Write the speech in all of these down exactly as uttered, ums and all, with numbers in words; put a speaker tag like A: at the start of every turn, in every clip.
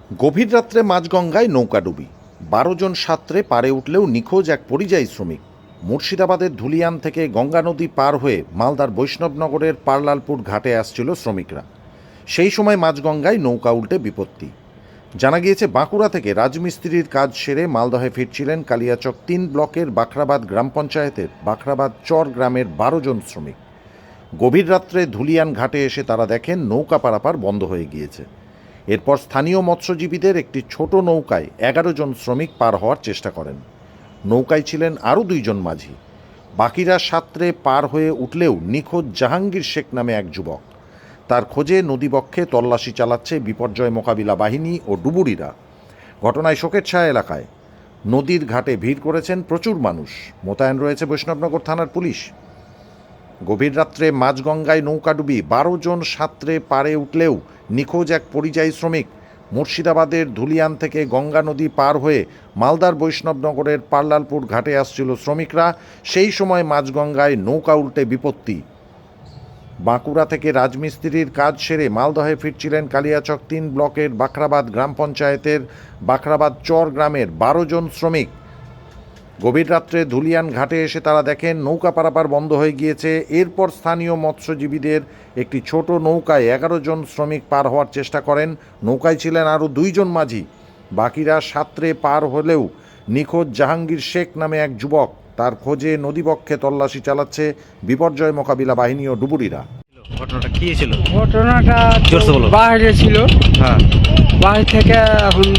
A: গভীর রাত্রে মাঝগঙ্গায় নৌকাডুবি, বারো জন সাঁতরে পারে উঠলেও নিখোঁজ এক পরিযায়ী শ্রমিক। মুর্শিদাবাদের ধুলিয়ান থেকে গঙ্গা নদী পার হয়ে মালদার বৈষ্ণবনগরের পারলালপুর ঘাটে আসছিল শ্রমিকরা। সেই সময় মাঝগঙ্গায় নৌকা উল্টে বিপত্তি। জানা গিয়েছে, বাঁকুড়া থেকে রাজমিস্ত্রির কাজ সেরে মালদহে ফিরছিলেন কালিয়াচক তিন ব্লকের বাখরাবাদ গ্রাম পঞ্চায়েতের বাখরাবাদ চর গ্রামের বারো জন শ্রমিক। গভীর রাত্রে ধুলিয়ান ঘাটে এসে তারা দেখেন নৌকা পারাপার বন্ধ হয়ে গিয়েছে। এরপর স্থানীয় মৎস্যজীবীদের একটি ছোট নৌকায় এগারো জন শ্রমিক পার হওয়ার চেষ্টা করেন। নৌকায় ছিলেন আরও দুইজন মাঝি। বাকিরা সাঁতরে পার হয়ে উঠলেও নিখোঁজ জাহাঙ্গীর শেখ নামে এক যুবক। তার খোঁজে নদীবক্ষে তল্লাশি চালাচ্ছে বিপর্যয় মোকাবিলা বাহিনী ও ডুবুরিরা। ঘটনায় শোকের ছায়া এলাকায়। নদীর ঘাটে ভিড় করেছেন প্রচুর মানুষ। মোতায়েন রয়েছে বৈষ্ণবনগর থানার পুলিশ। গভীর রাত্রে মাঝগঙ্গায় নৌকাডুবি, বারো জন সাঁতরে পারে উঠলেও নিখোঁজ এক পরিযায়ী শ্রমিক। মুর্শিদাবাদের ধুলিয়ান থেকে গঙ্গা নদী পার হয়ে মালদার বৈষ্ণবনগরের পারলালপুর ঘাটে আসছিল শ্রমিকরা। সেই সময় মাঝগঙ্গায় নৌকা উল্টে বিপত্তি। বাঁকুড়া থেকে রাজমিস্ত্রির কাজ সেরে মালদহে ফিরছিলেন কালিয়াচক তিন ব্লকের বাখরাবাদ গ্রাম পঞ্চায়েতের বাখরাবাদ চর গ্রামের বারো জন শ্রমিক। গভীর রাত্রে ধুলিয়ান ঘাটে এসে তারা দেখেন নৌকা পারাপার বন্ধ হয়ে গিয়েছে। এরপর স্থানীয় মৎস্যজীবীদের একটি ছোট নৌকায় এগারো জন শ্রমিক পার হওয়ার চেষ্টা করেন। নৌকায় ছিলেন আরও দুইজন মাঝি। বাকিরা সাঁতরে পার হলেও নিখোঁজ জাহাঙ্গীর শেখ নামে এক যুবক। তার খোঁজে নদীবক্ষে তল্লাশি চালাচ্ছে বিপর্যয় মোকাবিলা বাহিনী ও ডুবুরিরা।
B: ঘটনাটা কি ছিল?
C: ঘটনাটা
B: জোরসে বলো।
C: বাইরে ছিল।
B: হ্যাঁ
C: বাইরে থেকে এখন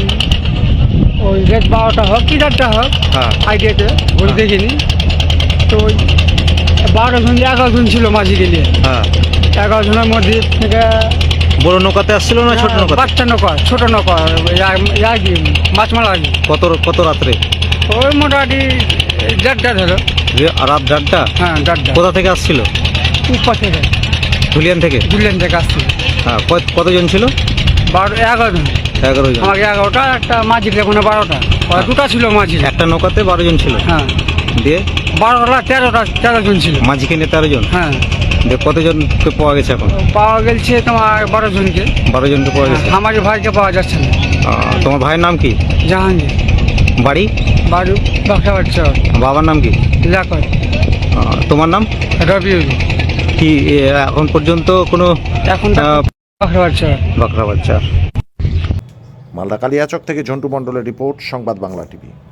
C: ওই রেট বারোটা হোক কি চারটা হোক
B: হ্যাঁ
C: আইডিয়াতে ঘুরে
B: হ্যাঁ।
C: দেখিনি তো ওই বারো জন এগারো জন ছিল মাঝি গেলে।
B: হ্যাঁ
C: এগারো জনের মধ্যে থেকে
B: বড় নৌকাতে আসছিল না ছোট নৌকা?
C: বাচ্চা নৌকা, ছোট নৌকা, ইয়া কি মাছ মারা কি
B: কত কত রাত্রে?
C: ওই মোটামুটি দেড়টা ধরো।
B: রাত দেড়টা?
C: হ্যাঁ দেড়টা।
B: কোথা থেকে আসছিল?
C: উপর থেকে
B: ধুলিয়ান থেকে?
C: দুলেন থেকে আসছিল।
B: হ্যাঁ কত- কতজন ছিল?
C: বারো এগারো জন।
B: এগারো জন।
C: আমাকে এগারোটা, একটা মাঝি কোনো বারোটা, ওরা দুটা ছিল মাঝি।
B: একটা নৌকাতে বারো জন ছিল?
C: হ্যাঁ
B: দিয়ে
C: বারোটা তেরোটা তেরো জন ছিল।
B: মাঝিকে নিয়ে তেরো জন?
C: হ্যাঁ
B: দিয়ে কতজনকে পাওয়া গেছে এখন?
C: পাওয়া গেছে তোমার বারো জনকে।
B: বারো জনকে পাওয়া গেছে।
C: আমার ভাইকে পাওয়া যাচ্ছে না।
B: আহ, তোমার ভাইয়ের নাম কি?
C: জাহাঙ্গীর।
B: বাড়ি?
C: বাড়ি বাক্সাবাড় চর।
B: বাবার নাম কি?
C: লাকর।
B: আহ, তোমার নাম
C: রবিউল।
B: কি এ, এখন পর্যন্ত কোনো
C: এখন
B: আহ,
C: বাক্সাবাড় চর।
B: বাঁকড়া বাচ্চা?
A: মালদা কালিয়াচক থেকে ঝন্টু মণ্ডলের রিপোর্ট, সংবাদ বাংলা টিভি।